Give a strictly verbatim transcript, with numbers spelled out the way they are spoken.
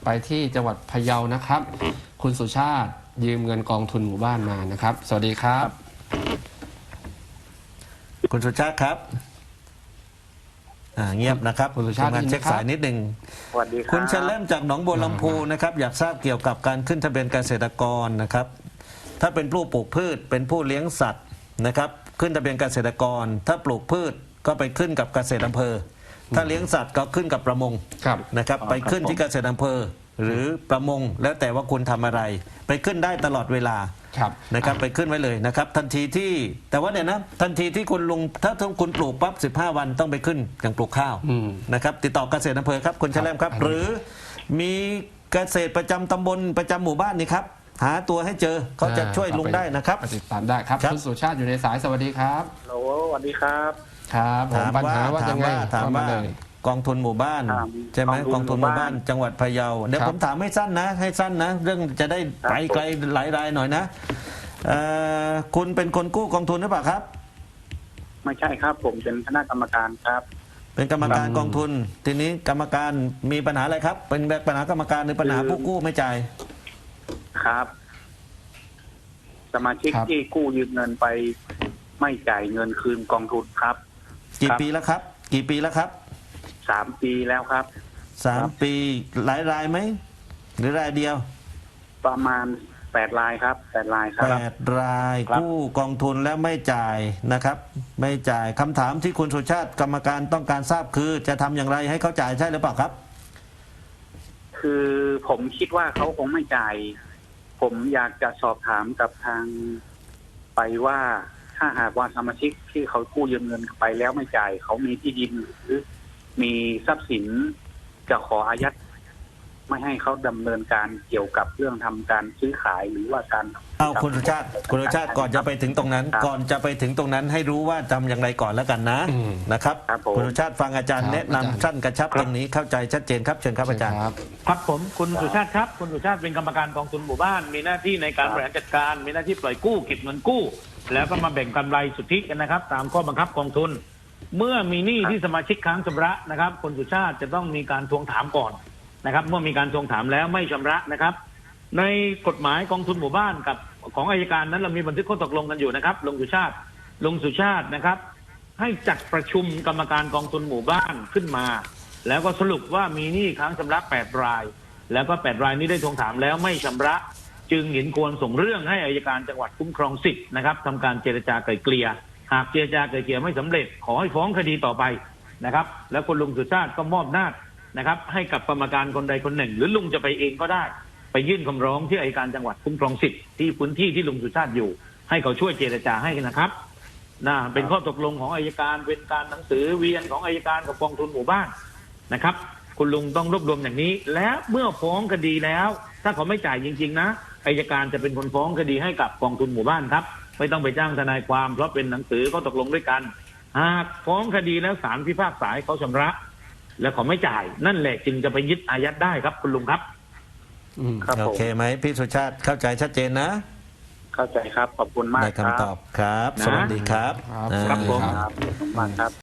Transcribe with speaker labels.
Speaker 1: ไปที่จังหวัดพะเยานะครับ คุณสุชาติยืมเงินกองทุนหมู่บ้านมานะครับ สวัสดีครับ
Speaker 2: คุณสุชาติครับอ่าเงียบนะครับ
Speaker 1: คุณสุชาติ
Speaker 2: ทำงานเช็คสายนิดหนึ่ง
Speaker 3: สวัสดีครับ
Speaker 2: คุณเชลเล่มจากหนองบัวลำพูนะครับอยากทราบเกี่ยวกับการขึ้นทะเบียนเกษตรกรนะครับ ถ้าเป็นผู้ปลูกพืชเป็นผู้เลี้ยงสัตว์นะครับขึ้นทะเบียนเกษตรกร ถ้าปลูกพืชก็ไปขึ้นกับเกษตรอำเภอ ถ้าเลี้ยงสัตว์ก็ขึ้นกับประมง
Speaker 1: ครับ
Speaker 2: นะครับไปขึ้นที่เกษตรอำเภอ หรือประมงแล้วแต่ว่าคุณทำอะไร ไปขึ้นได้ตลอดเวลา
Speaker 1: ครับ
Speaker 2: นะครับไปขึ้นไว้เลยนะครับทันทีที่แต่ว่าเนี่ยนะทันทีที่คุณลงถ้าคุณปลูกปั๊บสิบห้าวันต้องไปขึ้นอย่างปลูกข้าว
Speaker 1: อืม
Speaker 2: นะครับติดต่อเกษตรอำเภอครับคุณแชลมครับ
Speaker 1: ครับ
Speaker 2: หรือมีเกษตรประจำตำบลประจำหมู่บ้านนี่ครับหาตัวให้เจอเขาจะช่วยลุงได้นะครับ
Speaker 1: ติดตามได้ครับ
Speaker 2: ครับ
Speaker 1: คุณสุชาติอยู่ในสายสวัสดีครับ
Speaker 3: ฮัลโหลสวัสดีครับ
Speaker 1: ครับผม
Speaker 2: ถาม
Speaker 1: ปัญ
Speaker 2: ว่า
Speaker 1: หาว่า
Speaker 2: ถา
Speaker 1: ยั
Speaker 2: ม
Speaker 1: งไง
Speaker 2: ว่าถามว่า
Speaker 1: เลย
Speaker 2: กองทุนหมู่บ้าน
Speaker 3: ถาม
Speaker 2: ใช่ไหมก
Speaker 3: ก
Speaker 2: อ
Speaker 3: อง งทุ
Speaker 2: ทุน
Speaker 3: น
Speaker 2: ห
Speaker 3: หมู่
Speaker 2: มู่บ้า
Speaker 3: บ้าน น
Speaker 2: จังหวัดพะเยาเดี๋ยว
Speaker 1: ครับ
Speaker 2: ผมถามให้สั้นนะ ให้สั้นนะ เรื่องจะได้ไปไกลหลายรายหน่อยนะเอ่อคุณเป็นคนกู้กองทุนหรือเปล่าครับ
Speaker 3: ไม่ใช่ครับ ผมเป็นคณะกรรมการครับ
Speaker 2: เป็นกรรมการกองทุน ทีนี้กรรมการมีปัญหาอะไรครับ เป็นปัญหากรรมการหรือปัญหาผู้กู้ไม่จ่าย
Speaker 3: ครับ สมาชิก
Speaker 1: ครับ
Speaker 3: ที่กู้ยืมเงินไป ไม่จ่ายเงินคืนกองทุนครับ
Speaker 2: กี่
Speaker 3: ครับ
Speaker 2: ปีแล้วครับ กี่ปีแล้วครับ
Speaker 3: สามปีแล้วครับ
Speaker 2: สามปีหลายรายไหมหรือรายเดียว
Speaker 3: ประมาณแปดรายครับแปดรายค
Speaker 2: แป
Speaker 3: รับ
Speaker 2: ดราย
Speaker 3: ครับ
Speaker 2: กู้กองทุนแล้วไม่จ่ายนะครับ ไม่จ่ายคำถามที่คุณสุชาติกรรมการต้องการทราบคือ จะทำอย่างไรให้เขาจ่ายใช่หรือเปล่าครับ
Speaker 3: คือผมคิดว่าเขาคงไม่จ่าย ผมอยากจะสอบถามกับทางไปว่า ถ้าหากว่าสมาชิกที่เขากู้ยืมเงินไปแล้วไม่จ่าย เขามีที่ดินหรือมีทรัพย์สินจะขออายัด ไม่ให้เขาดำเนินการเกี่ยวกับเรื่องทำการซื้อขายหรือว่าการ
Speaker 2: เอาคุณสุชาติคุณสุชาติก่อนจะไปถึงตรงนั้น
Speaker 3: ครับ
Speaker 2: ก่อนจะไปถึงตรงนั้นให้รู้ว่าทำอย่างไรก่อนแล้วกันนะ
Speaker 1: อืม
Speaker 2: นะครับ
Speaker 3: ครับผม
Speaker 2: คุณสุชาติฟังอาจารย์
Speaker 1: ครับ
Speaker 2: แนะนำ
Speaker 1: อาจารย์
Speaker 2: สั้นกระชับตรงนี้เข้าใจชัดเจนครับเชิญครับอาจารย์
Speaker 1: ครับ
Speaker 4: ครับผมคุณสุชาติครับคุณสุชาติเป็นกรรมการกองทุนหมู่บ้าน มีหน้าที่ในการบริหารจัดการ มีหน้าที่ปล่อยกู้เก็บเงินกู้ แล้วก็มาแบ่งกำไรสุทธิกันนะครับ ตามข้อบังคับกองทุน เมื่อมีหนี้ที่สมาชิกค้างชำระนะครับคุณสุชาติจะต้องมีการทวงถามก่อนนะครับ เมื่อมีการทวงถามแล้วไม่ชำระนะครับ ในกฎหมายกองทุนหมู่บ้านกับของอัยการนั้นเรามีบันทึกข้อตกลงกันอยู่นะครับลุงสุชาติลุงสุชาตินะครับ ให้จัดประชุมกรรมการกองทุนหมู่บ้านขึ้นมา แล้วก็สรุปว่ามีหนี้ค้างชำระแปดราย แล้วก็แปดรายนี้ได้ทวงถามแล้วไม่ชำระ จึงเห็นควรส่งเรื่องให้อัยการจังหวัดคุ้มครองสิทธิ์นะครับทำการเจรจาไกล่เกลี่ยหากเจรจาไกล่เกลี่ยไม่สำเร็จขอให้ฟ้องคดีต่อไปนะครับ แล้วคุณลุงสุชาติก็มอบหน้าจนะครับ ให้กับกรรมการคนใดคนหนึ่ง หรือลุงจะไปเองก็ได้ ไปยื่นคำร้องที่อัยการจังหวัดคุ้มครองสิทธิ์ที่พื้นที่ที่ลุงสุชาติอยู่ ให้เขาช่วยเจรจาให้นะครับนะเป็นข้อตกลงของอัยการเป็นการหนังสือเวียนของอัยการกับกองทุนหมู่บ้านนะครับ คุณลุงต้องรวบรวมอย่างนี้ และเมื่อฟ้องคดีแล้ว ถ้าเขาไม่จ่ายจริงๆนะอัยการจะเป็นคนฟ้องคดีให้กับกองทุนหมู่บ้านครับไม่ต้องไปจ้างทนายความเพราะเป็นหนังสือข้อตกลงด้วยกันหากฟ้องคดีแล้วศาลพิพากษาให้เขาชำระ แล้วเขาไม่จ่ายนั่นแหละจึงจะไปยึดอายัดได้ครับคุณลุงครับ
Speaker 1: อืม
Speaker 3: ครับ
Speaker 2: โอ
Speaker 3: ผม
Speaker 2: เคไหมพี่สุชาติเข้าใจชัดเจนนะ
Speaker 3: เข้าใจครับ ขอบคุณมาก
Speaker 2: ได้
Speaker 3: ครับ
Speaker 2: คำตอบครับ
Speaker 4: นะ
Speaker 2: สวัสดีครับ
Speaker 1: ครับ
Speaker 2: อ่า
Speaker 4: ครับผม
Speaker 3: ครับขอบคุณมากครับ